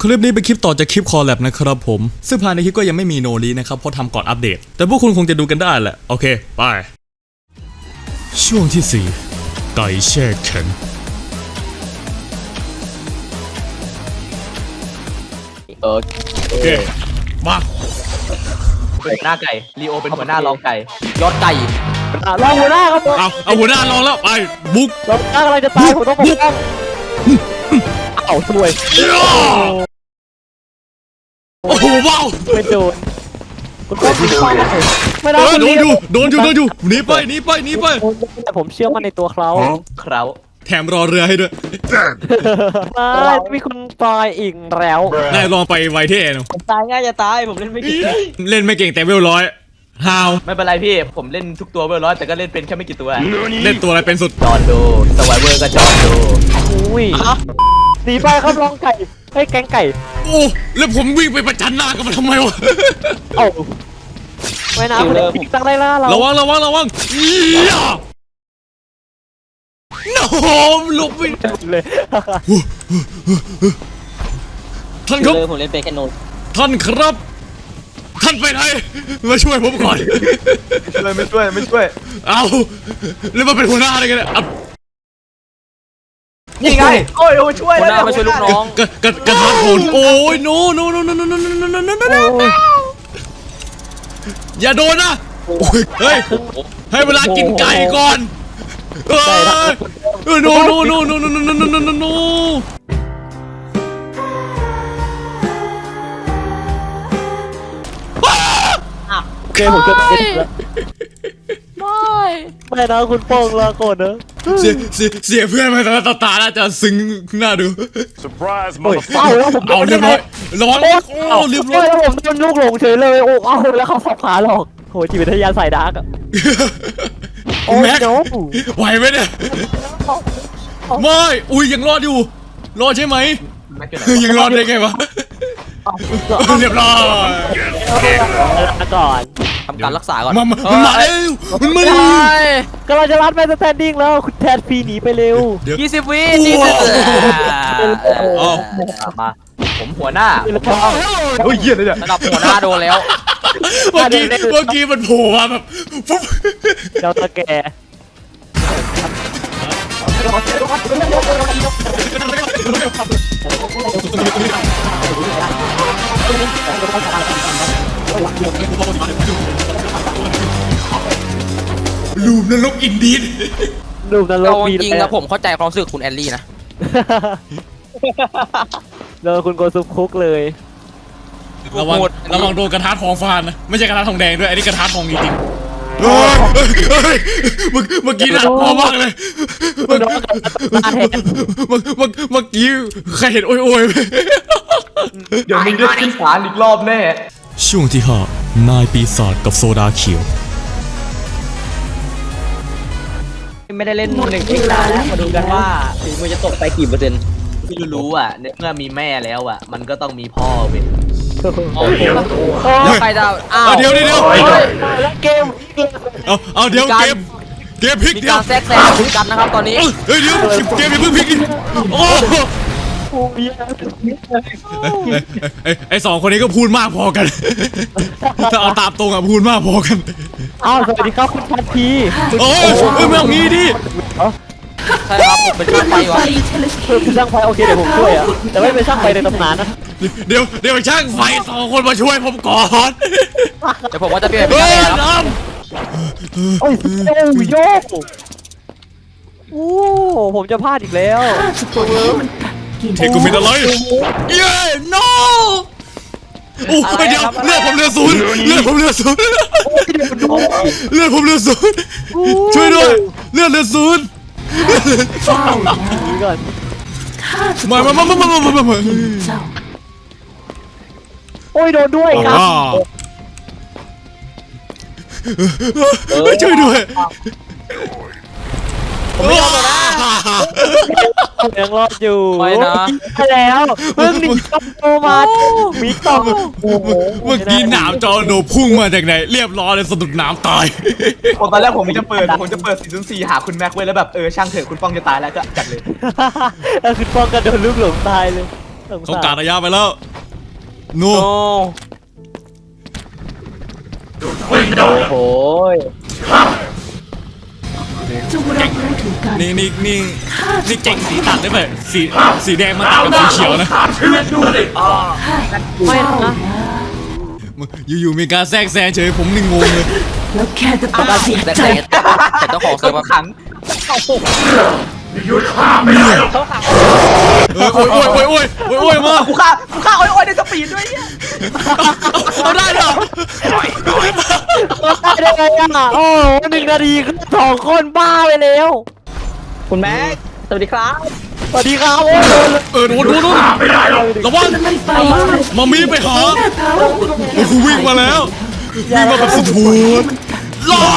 คลิปนี้เป็นคลิปต่อจากคลิปคอลแลบนะครับผมซึ่งภายในคลิปก็ยังไม่มีโนรีนะครับเพราะทำก่อนอัปเดตแต่พวกคุณคงจะดูกันได้แหละโอเคไปช่วงที่4ไก่แช่แข็งโอเคมาเป็นหัวหน้าไก่ลีโอเป็นหัวหน้ารองไก่ยอดไก่รองหัวหน้าครับผมเอาหัวหน้าลองแล้วไปบุกรองหัวหน้ากำลังจะตายผมต้องปกป้องเอาสวยโอ้โหว้าวไม่โดนคุณต้องยิงเข้ามาไม่ได้โดนอยู่หนีไปแต่ผมเชื่อมั่นในตัวเขาเคราแถมรอเรือให้ด้วยไม่มีคุณตายอีกแล้วนายลองไปไวเท่หนูผมตายง่ายจะตายผมเล่นไม่เก่งเล่นไม่เก่งแต่เวลร้อยฮาวไม่เป็นไรพี่ผมเล่นทุกตัวเบอร์ร้อยแต่ก็เล่นเป็นแค่ไม่กี่ตัวเล่นตัวอะไรเป็นสุดจอนดูสไวเวอร์ก็จอนดูอุ้ยหนีไปครับรองไก่ให้แกงไก่โอ้แล้วผมวิ่งไปประจันหน้ากับมันทำไมวะเอ้าไม่นะคุณพี่ตั้งได้แล้วเราระวังเอี๊ยโน้มหลบไปเลยท่านครับผมเล่นเป็นแค่โนท่านครับท่านไปไหนมาช่วยผมก่อนไม่ช่วยเอาแล้วมาเป็นหัวหน้าอะไรกันเนี่ยอ่ะนี่ไงโอ้ยช่วยแล้วมาช่วยลูกน้องกระทานโผลโอ้ยโนอย่าโดนนะเฮ้ยให้เวลากินไก่ก่อนโนโอเคผมจะแล้วไม่นะคุณโป้งลาก่อนนะเสียเพื่อนมาตาน่าจะซึ้งน่าดู Surprise, เอ้า motherfucker! แล้วผมเอาเรียบร้อยร้อนโอ้เรียบร้อยแล้วผมโดนลูกหลงเฉยเลยโอ้เอาแล้วเขาสับขาหรอกโหจิตวิทยาสายดาร์กอะโอ้แม็กโนไหวไหมเนี่ยไม่อุ้ยยังรอดอยู่รอดใช่ไหมยังรอดได้ไงวะเรียบร้อยก่อนทำการรักษาก่อนมันมาแล้วมันมาแล้วก็เราจะรัดแมนสแตนดิ้งแล้วคุณแทนฟรีหนีไปเร็ว 20 วินี่มาผมหัวหน้าโอ้ยเยี่ยเลยเนี่ยระดับหัวหน้าโดนแล้วเมื่อกี้มันโผล่มาแบบฟุ๊บเจ้าตะแกลูมนรกอินดีนดูนรกเรามีจริงนะผมเข้าใจความรู้สึกคุณแอลลี่นะโดนคุณโกซุปคุกเลยระวังโดนกระทะทองฟาดนะไม่ใช่กระทะทองแดงด้วยอันนี้กระทะทองจริงๆเมื่อกี้น่ากลัวมากเลยเมื่อกี้ใครเห็นโอยเดี๋ยวมึงได้ขึ้นศาลอีกรอบแน่ช่วงที่5นายปีศาจกับโซดาเขียวไม่ได้เล่น1เอ็กซ์นานแล้วมาดูกันว่าฝีมือจะตกไปกี่เปอร์เซ็นต์ที่รู้อ่ะเมื่อมีแม่แล้วอ่ะมันก็ต้องมีพ่อเว้ยแล้วใครจะอ้าวเดี๋ยวแล้วเกมเอาเดี๋ยวเกมพลิกมีเดี๋ยวการแทรกแซงกันนะครับตอนนี้เฮ้ยเดี๋ยวเกมอย่าเพิ่งพลิกดิโอ้ไอสองคนนี้ก็พูดมากพอกันถ้าเอาตามตรงอะพูดมากพอกันอ้าวสวัสดีครับคุณทันทีโอ้ยไม่เอางี้ดิใช่ครับผมเป็นช่างไฟวะคือช่างไฟโอเคเดี๋ยวผมช่วยอะแต่ไม่เป็นช่างไฟในตำนานนะเดี๋ยวช่างไฟ2 คนมาช่วยผมก่อนเดี๋ยวผมว่าจะเปลี่ยนเฮ้ยครับน้โอ้ยโยกโอ้ผมจะพลาดอีกแล้วำเทกูเป็นอะไรเย้ no โอ้ยเดี๋ยวเลือดผมเหลือ0ช่วยด้วยเลือดเหลือ0 ก่อนมาโอ้ยโดนด้วยครับช่วยด้วยยังรอดอยู่ไปนะไปแล้วเพิ่งหนีกลับโตมามีต่อโอ้โหเมื่อกี้หนามจอโนพุ่งมาจากไหนเรียบร้อยเลยสะดุดหนามตายตอนแรกผมจะเปิด404หาคุณแม็กไว้แล้วแบบช่างเถอะคุณป้องจะตายแล้วก็จัดเลยแล้วคือป้องกันโดนลูกหลงตายเลยเขากาดระยะไปแล้วนูโอ้โหนี่เก่งสีตัดได้ไหมสีแดงมาตัดกับสีเขียวนะไม่นะอยู่ๆมีการแทรกแซงเฉยผมนี่งงเลยแล้วแค่จะปฏิเสธแต่เจ้าของเซิร์ฟขังเขาขังโอ้ยมากูฆ่าโอ้ยในสปีดด้วยเนี่ยเอาได้เหรอได้ไงอ่ะโอ้1 นาทีคือ2 คนบ้าไปแล้วคุณแม็กสวัสดีครับสวัสดีครับโอ้ยโดนระวังไม่ไปมามีไปหาโอ้ยวิ่งมาแล้ววิ่งมาแบบสุดโหดล่า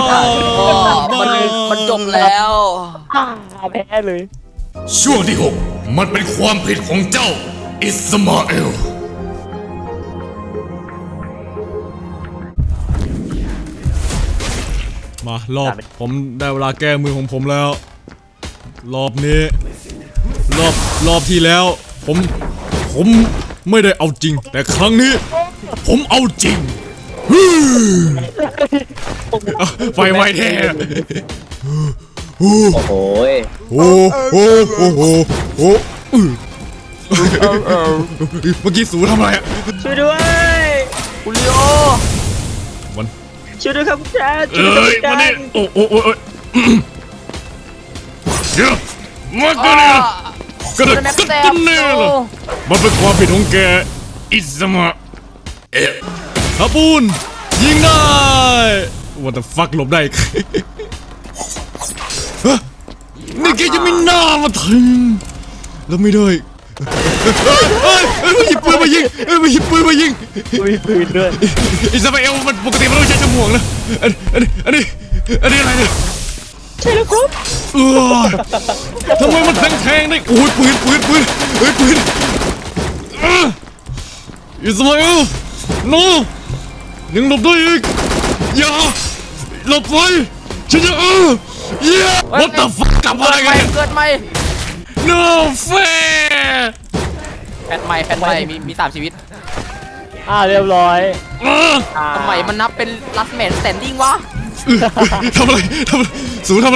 มันจบแล้วแพ้เลยช่วงที่ 6 มันเป็นความผิดของเจ้าอิสมาเอลมารอบผมได้เวลาแก้มือของผมแล้ว รอบนี้รอบที่แล้ว ผมไม่ได้เอาจริง แต่ครั้งนี้ ผมเอาจริงไฟไหม้แท้โอ้โหโอ้เมื่อกี้สูทำอะไรอ่ะช่วยด้วยคุณลีโอมันช่วยด้วยครับคุณแจ๊ดช่วยด้วยครับคุณแจ๊มาดนี่โอ้เดี๋ยวมากันเนี่ยกันเนี่ยมันเป็นความผิดของแกอิสมาเอะฮับปูนยิงได้ What the fuck หลบได้อีกนี่แกจะไม่น่ามาถึงแล้วไม่ได้มาหยิบปืนมายิงมาหยิบปืนมายิงมีปืนด้วยอิสมาเอลมันปกติมันต้องใช้ฉมวกนะอันนี้อะไรเนี่ยใช่แล้วครับทำไมมันแทงได้โอ้ยปืนอิสมาเอลโนยังหลบได้อีกอย่าหลบไปฉันจะWhat the fuck กลับมาอะไรกันเกิดใหม่ No fair แฟนใหม่มี3 ชีวิตเรียบร้อยทำไมมันนับเป็น last man standing วะทำอะไรสูทำอะไร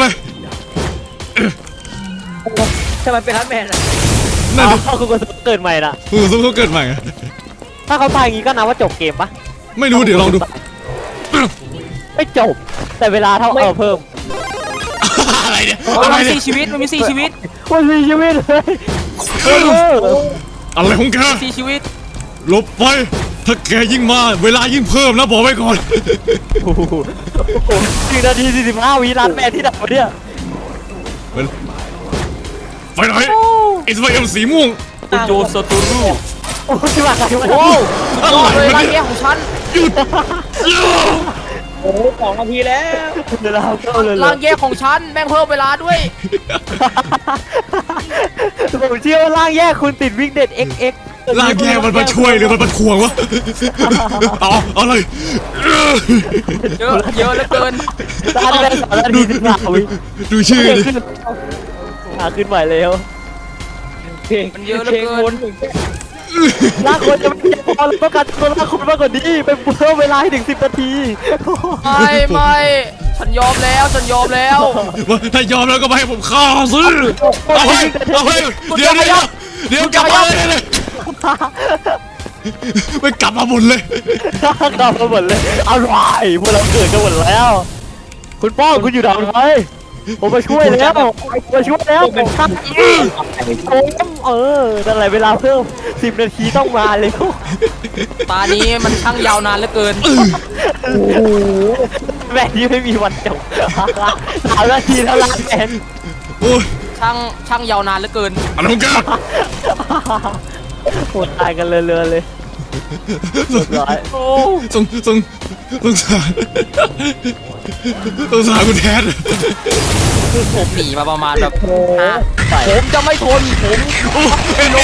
ทำไมเป็น last man อ่ะนั่นดิคุณก็เกิดใหม่ละสูเขาเกิดใหม่อะถ้าเขาตายอย่างงี้ก็นับว่าจบเกมปะไม่รู้เดี๋ยวลองดูไม่จบ แต่เวลาเท่าเพิ่มอะไรเนี่ยมันมี4 ชีวิตมันมี4 ชีวิตมันมีชีวิตเลยอะไรของแก 4 ชีวิตหลบไปถ้าแกยิ่งมาเวลายิ่งเพิ่มนะบอกไว้ก่อน 1 นาที 45 วิร้านแม่ที่ดับเนี่ยไปไหนอิสมาเอลสีม่วงคุณโจโซตูรูโอ้ยที่มาใครวะโอ้อะไรเลยวะร่างเนี่ยแย่ของฉันหยุดโอ้2 นาทีแล้วเวลาเข้าเลยร่างแย่ของฉันแม่งเพิ่มเวลาด้วยผมเชื่อว่าร่างแยกคุณติดวิ่งเด็ด XX ลากแย่มันมาช่วยหรือมันมาทวงวะเอาเลยเยอะเหลือเกินร้านได้3 นาที 15 วิดูชื่อดิขึ้นใหม่แล้วมันเยอะเหลือเกินลากคนจะไม่พอเราต้องการตัวลากคนมากกว่านี้ไปเพิ่มเวลาให้ถึง10 นาทีไม่ฉันยอมแล้วถ้ายอมแล้วก็มาให้ผมฆ่าซื้อเอาให้เดี๋ยวกลับมาเลยไม่กลับมาหมดเลยกลับมาหมดเลยอร่อยพวกเราเกิดกันหมดแล้ว คุณป้องคุณอยู่ทำไมผมมาช่วยแล้วผมตั้งนั่นแหละเวลาเพิ่ม10 นาทีต้องมาเลยตานี้มันช่างยาวนานเหลือเกินแม่นี้ไม่มีวันจบ3 นาทีเท่านั้นเองโอ้ยช่างยาวนานเหลือเกินอะไรของแกโหดตายกันเรือเลยร้อยโอ้สงสารคุณแทนผมหนีมาประมาณแบบผมจะไม่ทนเอ็ม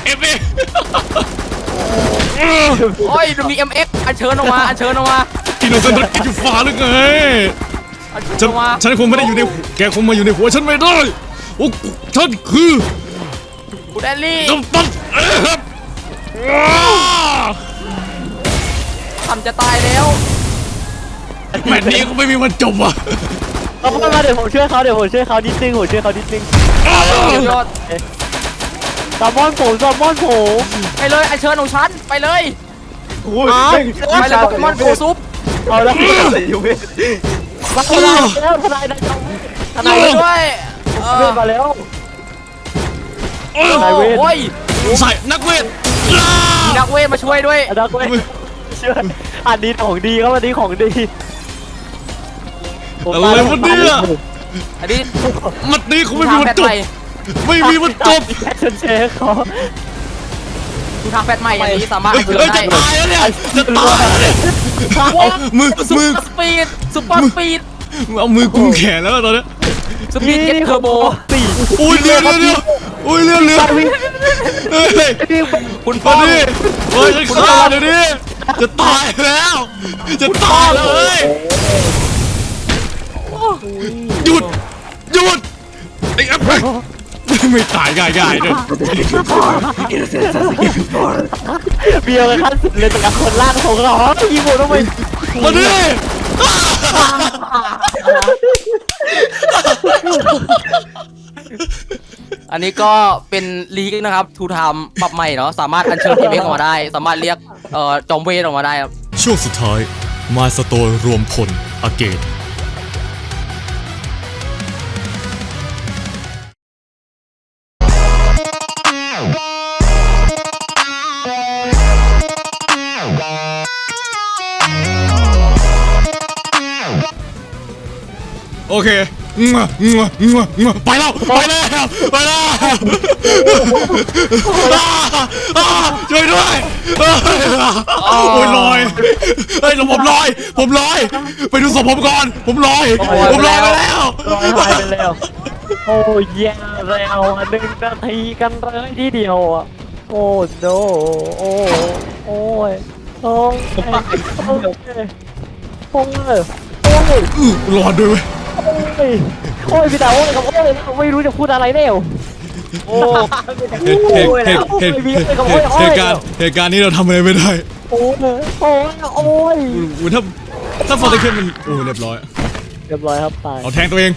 โอ้ยมี MX อันเชิญออกมากินเอาเส้นรถกินอยู่ฟ้าหรือไงอันเชิญออกมาฉันคงไม่ได้อยู่ในแกคงมาอยู่ในหัวฉันไม่ได้โอ้ฉันคือคุณแอลลี่กัปตันทำจะตายแล้วแมตช์นี้ก็ไม่มีวันจบว่ะเอาเข้ามาเดี๋ยวผมช่วยเขานิดนึงยอดแซลมอนผมไปเลยไอเชิญของฉันไปเลยโอ้ยไปเลยโปเกมอนโกซุปเอาแล้วมาแล้วทนายด้วยเวทมาแล้วโอ้ยใส่นักเวทมีนักเวทมาช่วยด้วยนักเวทช่วยอันนี้ของดีครับอันนี้ของดีอะไรวะเนี่ยอันนี้มัดนี้คงไม่มีวันจบไม่มีวันจบชนเชฟเขาดูทางแฟตใหม่อย่างนี้สามารถเฮ้ยจะตายแล้วเนี่ยจะตายแล้วเนี่ยเอามือซุปเปอร์สปีดซุปเปอร์สปีดเอามือกุมแขนแล้วตอนนี้สปีดเก็ตเทอร์โบอุ้ยเรืออุ้ยเรือเฮ้ยคุณป้อมาม ดิเฮ้ยจะฆ่าเดี๋ยวนี้จะตายแล้วจะตายแล้วเฮ้ยหยุดไอ้แอปไม่ตายง่ายๆเลยเบียร์กันขั้นสุดเลยแต่กับคนล่างของเขายิงหมดทำไมมาดิอันนี้ก็เป็นลีกนะครับทูไทม์ปรับใหม่เนาะสามารถอัญเชิญทีมเออกมาได้สามารถเรียกจอมเวทออกมาได้ครับช่วงสุดท้ายมาสโตร์รวมพลอาเกตโอเคไปแล้วช่วยด้วยโอ้ยลอยเฮ้ยผมลอยไปดูศพผมก่อนผมลอยไปแล้วหายไปแล้วโอ้ยแย่แล้ว1 นาทีกันเลยทีเดียวอ่ะโอ้โนโอ้ยโอ้ยโอ้ยรอดด้วยโอ้ยพี่ตาโอ้ยครับโอ้ยไม่รู้จะพูดอะไรแล้วโอ้เหตุการณ์นี้เราทำอะไรไม่ได้โอ้ยถ้าฟอร์ตเคนมันเรียบร้อยครับตายเอาแทงตัวเอง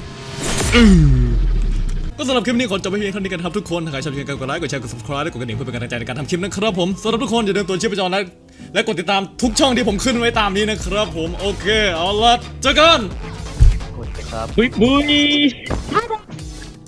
ก็สำหรับคลิปนี้ขอจบไปเพียงเท่านี้กันครับทุกคนถ้าใครชอบคลิปนี้กดไลค์กดแชร์กด subscribe และกดกระดิ่งเพื่อเป็นกำลังใจในการทำคลิปนะครับผมสำหรับทุกคนอย่าลืมตัวชีพจรและกดติดตามทุกช่องที่ผมขึ้นไว้ตามนี้นะครับผมโอเคเอาละเจอกันบุย